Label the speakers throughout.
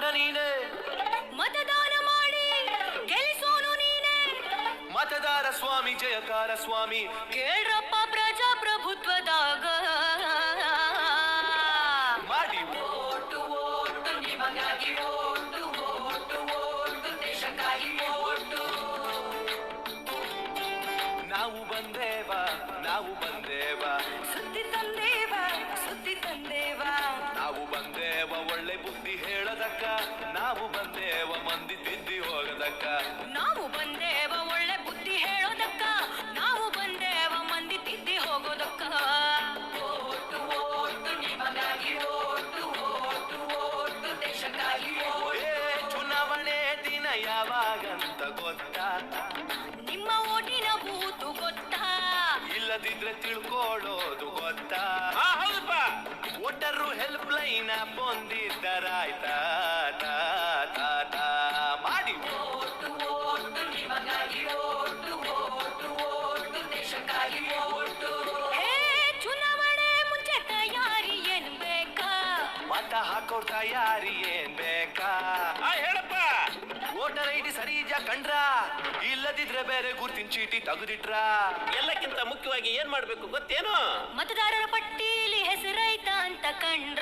Speaker 1: ನೀನೆ,
Speaker 2: ಮತದಾನ ಮಾಡಿ ಗೆಲ್ಲಿಸೋನು ನೀನೆ.
Speaker 1: ಮತದಾರ ಸ್ವಾಮಿ ಜಯಕಾರ ಸ್ವಾಮಿ,
Speaker 2: ಕೇಳ್ರಪ್ಪ ಪ್ರಜಾಪ್ರಭುತ್ವದಾಗ
Speaker 1: ಮಾಡಿ
Speaker 2: ಓಟು ಓಟು ನಿಮಗಾಗಿ ಓಟು ಓಟು ಓಟು ದೇಶಕ್ಕಾಗಿ ಓಟು.
Speaker 1: ನಾವು ಬಂದೇವ, ನಾವು ಬಂದೇವ,
Speaker 2: ಸುದ್ದಿ ತಂದೇವ, ಸುದ್ದಿ ತಂದೇವ.
Speaker 1: ನಾವು ಬಂದೇವ ಒಳ್ಳೆ ಬುದ್ಧಿ ಹೇಳದಕ್ಕ, ನಾವು ಬಂದೇವ ಮಂದಿ ತಿದ್ದಿ ಹೋಗದಕ್ಕ.
Speaker 2: ನಾವು ಬಂದೇವ ಒಳ್ಳೆ ಬುದ್ಧಿ ಹೇಳೋದಕ್ಕ, ನಾವು ಬಂದೇವ ಮಂದಿ ತಿದ್ದಿ ಹೋಗೋದಕ್ಕ. ಓಟು ಓಟು ನಿಮಗಾಗಿ ಓಟು ಓಟು ಓಟು ದೇಶಕ್ಕಾಗಿ ಓಟು.
Speaker 1: ಚುನಾವಣೆ ದಿನ ಯಾವಾಗಂತ ಗೊತ್ತಾ?
Speaker 2: ನಿಮ್ಮ ಓಟಿನ ಬೂತು ಗೊತ್ತಾ?
Speaker 1: ಇಲ್ಲದಿದ್ರೆ ತಿಳ್ಕೊಳ್ಳೋದು ಗೊತ್ತಾ?
Speaker 3: ಹೌದಪ್ಪ.
Speaker 1: ವೋಟರು ಹೆಲ್ಪ್ ಲೈನ್ ಹೊಂದಿದ್ದರಾಯ್ತಾ? ಮಾಡಿ
Speaker 2: ಓಟು ಓಟು ನಿಮಗಾಗಿ ಓಟು ಓಟು ಓಟು ದೇಶಕ್ಕಾಗಿ ಓಟು. ಹೇ ಚುನಾವಣೆ ಮುಂಚೆ ತಯಾರಿ ಏನ್ ಬೇಕಾ?
Speaker 1: ಮತ ಹಾಕೋ ತಯಾರಿ ಏನ್ ಬೇಕಾ?
Speaker 3: ಹೇಳಪ್ಪ.
Speaker 1: ವೋಟರ್ ಐಡಿ ಸರಿ ಇದೆಯಾ ಕಂಡ್ರ? ಇಲ್ಲದಿದ್ರೆ ಬೇರೆ ಗುರ್ತಿನ ಚೀಟಿ ತೆಗೆದಿಟ್ರ?
Speaker 3: ಎಲ್ಲಕ್ಕಿಂತ ಮುಖ್ಯವಾಗಿ ಏನ್ ಮಾಡ್ಬೇಕು ಗೊತ್ತೇನು?
Speaker 2: ಮತದಾರರ ಪಟ್ಟೀಲಿ ಹೆಸರೈತ ಅಂತ ಕಂಡ್ರ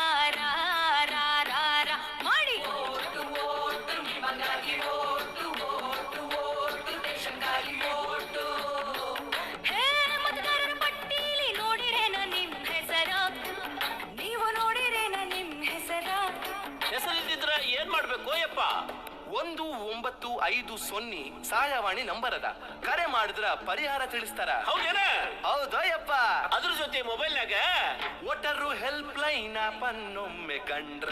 Speaker 2: ಮಾಡಿ ಓಟು ಓಟು ನಿಮಗಾಗಿ ಓಟು ಓಟು ಓಟು ದೇಶಕ್ಕಾಗಿ ಓಟು. ಹೇ ಮತದಾರರ ಪಟ್ಟೀಲಿ ನೋಡಿರೇನ ನಿಮ್ ಹೆಸರ? ನೀವು ನೋಡಿರೇನ ನಿಮ್ ಹೆಸರ?
Speaker 3: ಹೆಸರಿದ್ರ ಏನ್ ಮಾಡ್ಬೇಕು ಯಪ್ಪ?
Speaker 1: 1950 ಸಹಾಯವಾಣಿ ನಂಬರ್ ಅದ, ಕರೆ ಮಾಡಿದ್ರ ಪರಿಹಾರ ತಿಳಿಸ್ತಾರ.
Speaker 3: ಹೌದೇನ?
Speaker 1: ಹೌದಯ್ಯಪ್ಪ.
Speaker 3: ಅದ್ರ ಜೊತೆ ಮೊಬೈಲ್ನಾಗ
Speaker 1: ವೋಟರು ಹೆಲ್ಪ್ ಲೈನ್ ಪನ್ನೊಮ್ಮೆ ಕಂಡ್ರ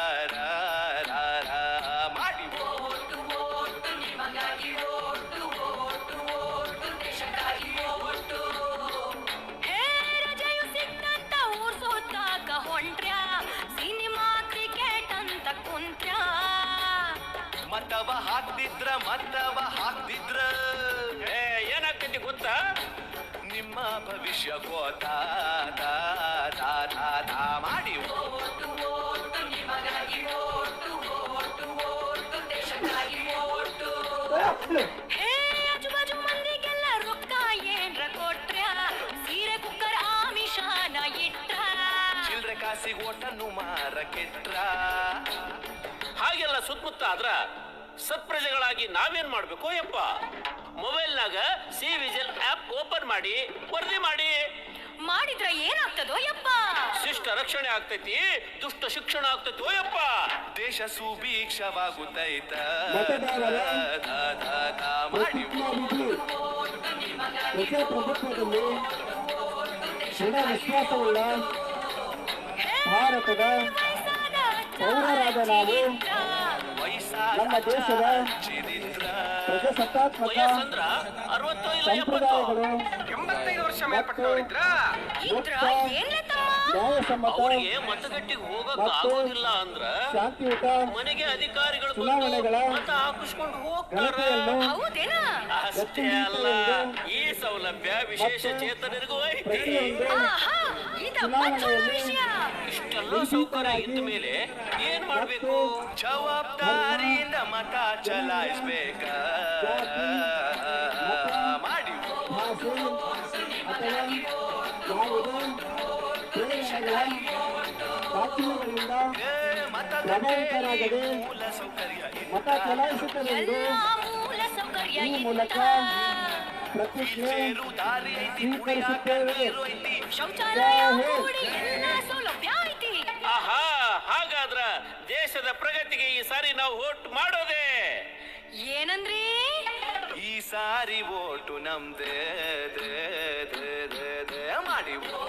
Speaker 1: ಮಾಡಿ
Speaker 2: ಓಟು ಓಟು ನಿಮಗಾಗಿ ಓಟು ಓಟು ಓಟು ದೇಶಕ್ಕಾಗಿ ಓಟು. ಹೇ ರಜೆಯು ಸಿಕ್ತಂತ ಊರ್ ಸುತ್ತಾಕ ಹೊಂಟ್ರ್ಯಾ? ಸಿನಿಮಾ ಕ್ರಿಕೆಟ್ ಅಂತ ಕುಂತ್ರ್ಯಾ?
Speaker 1: ಮತವ ಹಾಕ್ತಿದ್ರ
Speaker 3: ಏನಾಗ್ತೈತಿ ಗೊತ್ತಾ?
Speaker 1: ನಿಮ್ಮ ಭವಿಷ್ಯ ಗೋತಾ ಮಾಡಿ
Speaker 2: ಓಟು ಓಟು ನಿಮಗಾಗಿ ಓಟು ಓಟು ಓಟು ದೇಶಕ್ಕಾಗಿ ಓಟು. ಹೇ ಆಜುಬಾಜು ಮಂದಿಗೆಲ್ಲ ರೊಕ್ಕ ಏನ್ರ ಕೊಟ್ರ್ಯಾ? ಸೀರೆ ಕುಕ್ಕರ್ ಆಮಿಷಾನ ಇಟ್ರ?
Speaker 1: ಚಿಲ್ರೆ ಕಾಸಿಗೆ ಓಟನ್ನು ಮಾರ ಕೆಟ್ರ?
Speaker 3: ಹಾಗೆಲ್ಲ ಸುತ್ತಮುತ್ತ ಆದ್ರ ಸತ್ಪ್ರಜೆಗಳಾಗಿ ನಾವೇನ್ ಮಾಡ್ಬೇಕು ಯಪ್ಪ? ಮೊಬೈಲ್ನಾಗ ಸಿ ವಿಜಿಲ್ ಆಪ್ ಓಪನ್ ಮಾಡಿ ವರದಿ ಮಾಡಿ.
Speaker 2: ಮಾಡಿದ್ರ ಏನಾಗ್ತದೋ ಯಪ್ಪ?
Speaker 3: ಶಿಷ್ಟ ರಕ್ಷಣೆ ಆಗ್ತೈತಿ, ದುಷ್ಟ ಶಿಕ್ಷಣ ಆಗ್ತೈತಿ ಯಪ್ಪ.
Speaker 1: ದೇಶ ಸುಭೀಕ್ಷವಾಗುತ್ತೈತ
Speaker 4: ಮಾಡಿ ಪ್ರಜಾಪ್ರಭುತ್ವದಲ್ಲಿ ದೃಢ ವಿಶ್ವಾಸವುಳ್ಳ ಭಾರತದ ಪೌರರಾದ ನಾವು ನಮ್ಮ ದೇಶದ ಪ್ರಜಾಸತ್ತಾತ್ಮಕ
Speaker 3: ವಯಸ್ಸಂದ್ರ 60 ಇಲ್ಲ 70?
Speaker 4: ಸಂಪ್ರದಾಯಗಳು
Speaker 1: 85 ವರ್ಷ
Speaker 4: ಮತ್ತು
Speaker 2: ಇದ್ರ ಏನ್ಲೆ ತಮ್ಮ?
Speaker 4: ನ್ಯಾಯಸಮ್ಮತ
Speaker 3: ಅವ್ರಿಗೆ ಮತಗಟ್ಟಿಗೆ ಹೋಗಕ್ ಆಗೋದಿಲ್ಲ ಅಂದ್ರ
Speaker 4: ಶಾಂತಿಯುತ
Speaker 3: ಮನೆಗೆ ಅಧಿಕಾರಿಗಳು
Speaker 4: ಚುನಾವಣೆಗಳ
Speaker 3: ಮತ ಹಾಕಿಸ್ಕೊಂಡು ಹೋಗ್ತಾರ.
Speaker 4: ಗಣತಿಯನ್ನು
Speaker 2: ಹೌದೇನ?
Speaker 3: ಅಷ್ಟೇ ಅಲ್ಲ, ಈ ಸೌಲಭ್ಯ ವಿಶೇಷ ಚೇತನರಿಗೂ ಐತಿ.
Speaker 4: ಪ್ರತಿಯೊಂದು
Speaker 2: ಆಹಾ, ಇದ ಮತ್ತೊಂದು ವಿಷಯ.
Speaker 3: ಇಷ್ಟೆಲ್ಲ ಸೌಕರ್ಯ ಇದ್ದ ಮೇಲೆ ಏನ್ ಮಾಡ್ಬೇಕು?
Speaker 1: ಜವಾಬ್ದಾರಿಯಿಂದ ಮತ ಚಲಾಯಿಸ್ಬೇಕ ಮಾಡಿ
Speaker 4: ಭಾಷೆ ಅಥವಾ ಯಾವುದೇ ಪ್ರೇರಣೆಗಳ ದಾಖಲೆಗಳಿಂದ ಪ್ರಭಾವಿತರಾಗದೆ
Speaker 1: ಮೂಲ ಸೌಕರ್ಯ
Speaker 4: ಮತ ಚಲಾಯಿಸುತ್ತಲೆಂದು
Speaker 2: ಎಲ್ಲಾ ಮೂಲ ಸೌಕರ್ಯ
Speaker 4: ಈ ಮೂಲಕ ಪ್ರತಿಜ್ಞೆ
Speaker 1: ದಾರಿ ಐತಿ,
Speaker 4: ಸ್ವೀಕರಿಸುತ್ತೇವೆ.
Speaker 2: ಶೌಚಾಲಯ ಕೂಡಿ ಎಲ್ಲಾ ಸೌಲಭ್ಯ ಐತಿ.
Speaker 3: ಆಹಾ, ಹಾಗಾದ್ರ ದೇಶದ ಪ್ರಗತಿಗೆ ಈ ಸಾರಿ ನಾವು ವೋಟ್ ಮಾಡೋದೇ.
Speaker 2: ಏನಂದ್ರಿ?
Speaker 1: ಈ ಸಾರಿ ಓಟು ನಮ್ದೇ ಮಾಡಿ